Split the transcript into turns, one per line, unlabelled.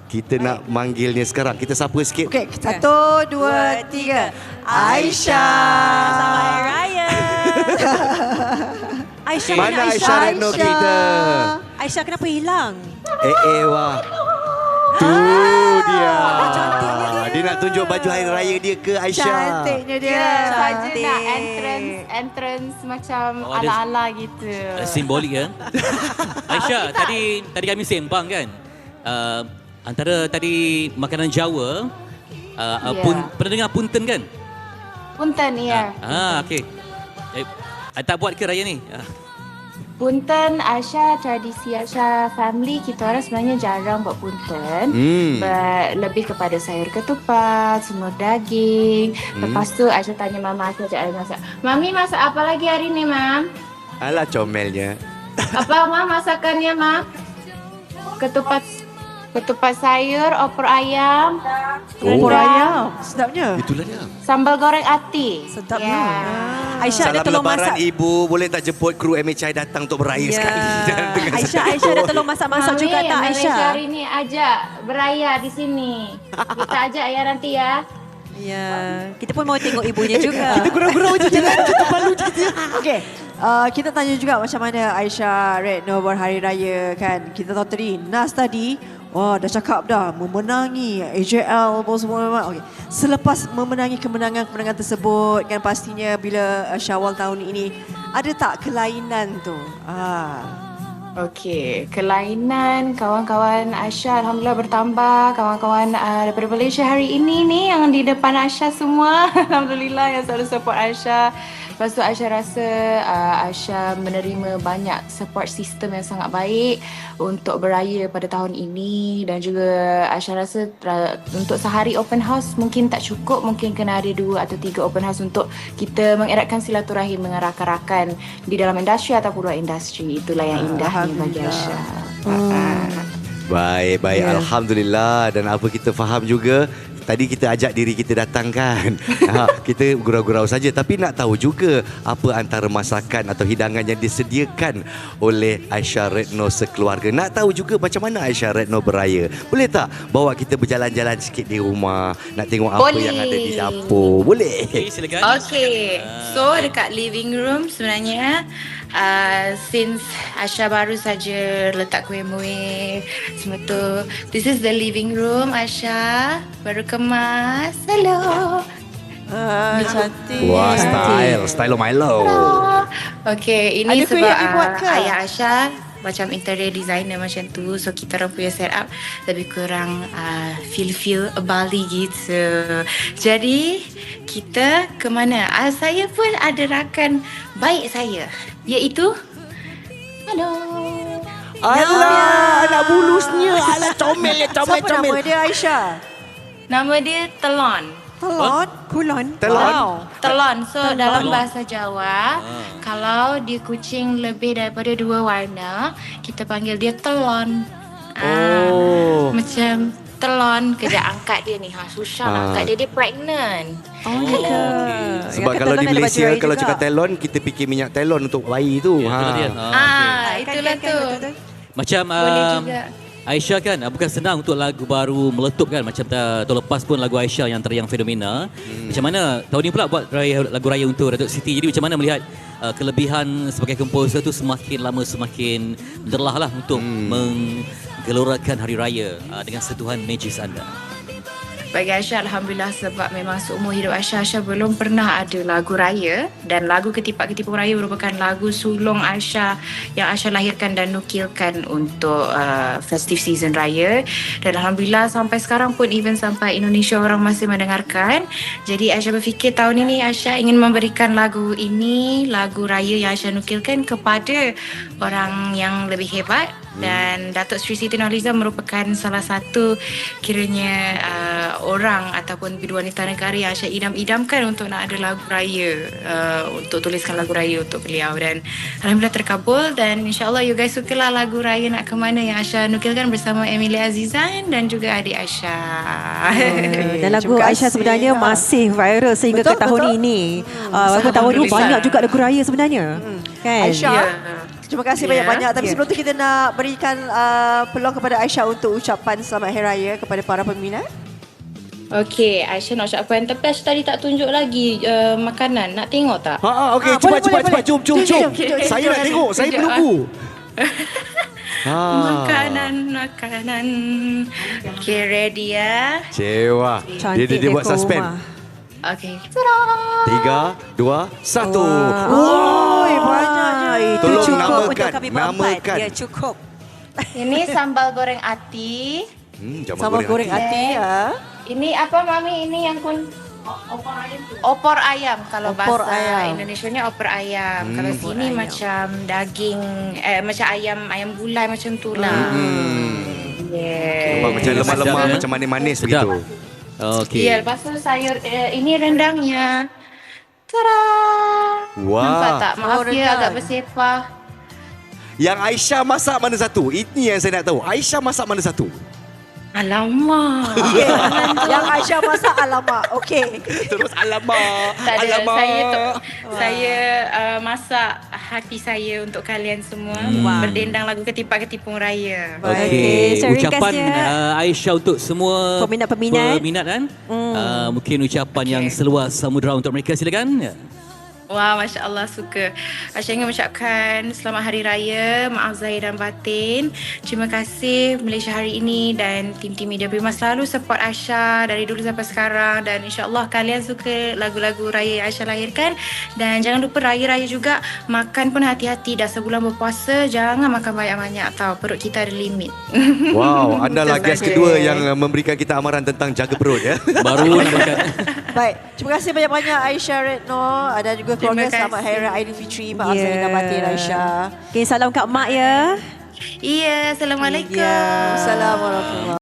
Kita nak manggilnya sekarang. Kita sapa sikit.
Okey, 1, 2, 3. Aisyah.
Selamat Hari Raya. Aisyah,
Mana Aisyah Retno kita?
Aisyah kenapa hilang?
Wah. Tu dia. Dia nak tunjuk baju hari raya dia ke Aisyah?
Cantiknya dia.
Saja nak entrance macam ala-ala gitu.
Simbolik kan? Aisyah, tadi kami sembang kan? Antara tadi makanan Jawa, pernah dengar punten kan?
Punten, ya.
Okey. Tak buat ke raya ni?
Punten, Aisyah, tradisi Aisyah family, kita orang sebenarnya jarang buat punten. Lebih kepada sayur ketupat, semur daging. Lepas tu Aisyah tanya Mama Aisyah ajak masak. Mami masak apa lagi hari ni, Mam?
Alah comelnya.
Apa, Mam, masakannya, Mam? Ketupat sayur, opor ayam.
Opor ayam. Sedapnya.
Itulah dia.
Sambal goreng ati.
Sedapnya.
Aisyah ada
Salam
tolong
lebaran
masak.
ibu. Boleh tak jemput kru MHI datang untuk beraya sekali?
Aisyah dah tolong masak-masak juga tak Aisyah?
Malaysia hari ni ajak beraya di sini. Kita ajak ya nanti ya.
Ya, kita pun mau tengok ibunya juga.
Kita gurau-gurau je jangan kita palu je. Okey. Kita tanya juga macam mana Aisyah Retno berhari raya kan. Kita tahu tadi Nas tadi dah cakap dah memenangi AJL apa semua. Okey. Selepas memenangi kemenangan tersebut kan pastinya bila Syawal tahun ini ada tak kelainan tu?
Okey, kelainan kawan-kawan Aisyah Alhamdulillah bertambah. Kawan-kawan daripada Malaysia hari ini ni yang di depan Aisyah semua Alhamdulillah yang selalu support Aisyah. Lepas tu Aisyah rasa Aisyah menerima banyak support system yang sangat baik untuk beraya pada tahun ini. Dan juga Aisyah rasa untuk sehari open house mungkin tak cukup. Mungkin kena ada 2 atau 3 open house untuk kita mengeratkan silaturahim dengan rakan-rakan di dalam industri ataupun luar industri. Itulah yang indahnya bagi Aisyah.
Baik. Alhamdulillah. Dan apa kita faham juga, tadi kita ajak diri kita datang kan. Kita gurau-gurau saja. Tapi nak tahu juga apa antara masakan atau hidangan yang disediakan oleh Aisyah Retno sekeluarga. Nak tahu juga macam mana Aisyah Retno beraya. Boleh tak bawa kita berjalan-jalan sikit di rumah? Nak tengok apa yang ada di dapur. Boleh?
Okey, silakan.
Okay, so dekat living room sebenarnya since Aisyah baru saja letak kuih-muih semua tu. This is the living room Aisyah, baru kemas. Hello.
Cantik.
Wah, style Milo.
Okay, ini
Ada kuih
sebab
yang dibuat ke?
ayah Aisyah macam interior designer macam tu. So kita orang punya set up lebih kurang feel Bali gitu. Jadi kita ke mana? Saya pun ada rakan baik saya, iaitu halo.
Alah, anak bulusnya. Alah, comel.
Siapa nama dia Aisyah?
Nama dia Telon.
Telon?
Kulon.
Telon.
Telon. So dalam bahasa Jawa, kalau dia kucing lebih daripada 2 warna, kita panggil dia telon. Macam telon, kejap angkat dia ni. Susah nak angkat dia pregnant.
Sebab kalau di Malaysia, kalau cakap telon, kita fikir minyak telon untuk bayi tu.
Itulah dia.
Itulah tu.
Macam
Boleh juga.
Aisyah kan bukan senang untuk lagu baru meletup kan. Macam tahun lepas pun lagu Aisyah yang teriang fenomena. Macam mana tahun ni pula buat lagu raya untuk Datuk Siti. Jadi macam mana melihat kelebihan sebagai komposer tu semakin lama semakin menderlah lah untuk menggelorakan hari raya dengan sentuhan magis anda.
Bagi Aisyah Alhamdulillah, sebab memang seumur hidup Aisyah belum pernah ada lagu raya. Dan lagu Ketipak-Ketipung Raya merupakan lagu sulung Aisyah yang Aisyah lahirkan dan nukilkan untuk festive season raya. Dan Alhamdulillah sampai sekarang pun, even sampai Indonesia orang masih mendengarkan. Jadi Aisyah berfikir tahun ini Aisyah ingin memberikan lagu ini, lagu raya yang Aisyah nukilkan, kepada orang yang lebih hebat. Dan Datuk Seri Siti Nurhaliza merupakan salah satu kiranya orang ataupun biduanita negara yang Aisyah idam-idamkan untuk nak ada lagu raya, untuk tuliskan lagu raya untuk beliau. Dan Alhamdulillah terkabul. Dan insyaAllah you guys sukalah lagu raya Nak Ke Mana yang Aisyah nukilkan bersama Emilia Azizan dan juga adik Aisyah.
Dan lagu Aisyah sebenarnya masih viral sehingga ke tahun ini. Walaupun tahun ini banyak juga lagu raya sebenarnya. Kan?
Aisyah, Terima kasih
Ya.
banyak-banyak. Tapi
Ya.
sebelum tu kita nak berikan peluang kepada Aisyah untuk ucapan selamat Hari Raya kepada para peminat.
Okey, Aisyah nak ucapkan. Tapi Aisyah tadi tak tunjuk lagi makanan. Nak tengok tak?
Okey,
boleh,
cepat.
boleh.
Jom.
Tunjuk, tunjuk.
Saya nak tengok, saya
Tunjuk,
menunggu.
Makanan. Okay, ready ya?
Cewa.
Cantik
Dia buat
dekor
suspend.
rumah.
Okay.
3, 2, 1.
Oi, banyaknya.
Itu
Tolong
cukup
namakan,
untuk kami berempat.
namakan.
Ya, cukup.
Ini sambal goreng ati.
Sama goreng hati ya.
Ini apa Mami? Ini yang opor ayam. Kalau
Opor
bahasa
ayam.
Indonesianya opor ayam. Kalau sini macam daging, macam ayam gulai macam tu lah. Yeah.
Nampak macam lemah-lemah,
Sedap,
macam manis-manis
Sedap.
begitu.
Okey.
Ya, lepas tu sayur, ini rendangnya. Tada!
Wah.
Nampak tak? Maaf
Oh,
ya
rendang.
agak bersepah.
Yang Aisyah masak mana satu? Ini yang saya nak tahu. Aisyah masak mana satu?
Alamak.
Yang Aisyah masak alamak. Okey.
Terus alamak.
Tak ada.
Alamak.
Saya masak hati saya untuk kalian semua. Berdendang lagu Ketipak-Ketipung Raya.
Okey, so
Ucapan
ringkasnya.
Aisyah untuk semua
Peminat-peminat.
kan. Mungkin ucapan yang seluas samudera untuk mereka, silakan.
Wah, Masya Allah suka. Aisyah ingin mengucapkan selamat Hari Raya, maaf zahir dan batin. Terima kasih Malaysia hari ini dan tim-tim Media Prima selalu support Aisyah dari dulu sampai sekarang. Dan insyaAllah kalian suka lagu-lagu Raya yang Aisyah lahirkan. Dan jangan lupa Raya-Raya juga, makan pun hati-hati. Dah sebulan berpuasa, jangan makan banyak-banyak tau. Perut kita ada limit.
Wow, anda lah guest
Okey.
kedua yang memberikan kita amaran tentang jaga perut ya.
Baru nak makan.
Baik, terima kasih banyak-banyak Aisyah Retno dan juga keluarga.
Terima kasih.
Selamat Hari Raya Aidilfitri. Maaf
Ya.
zahir dan batin Aisyah.
Okey, salam kat mak ya.
Iya, Assalamualaikum.
Ya, Assalamualaikum.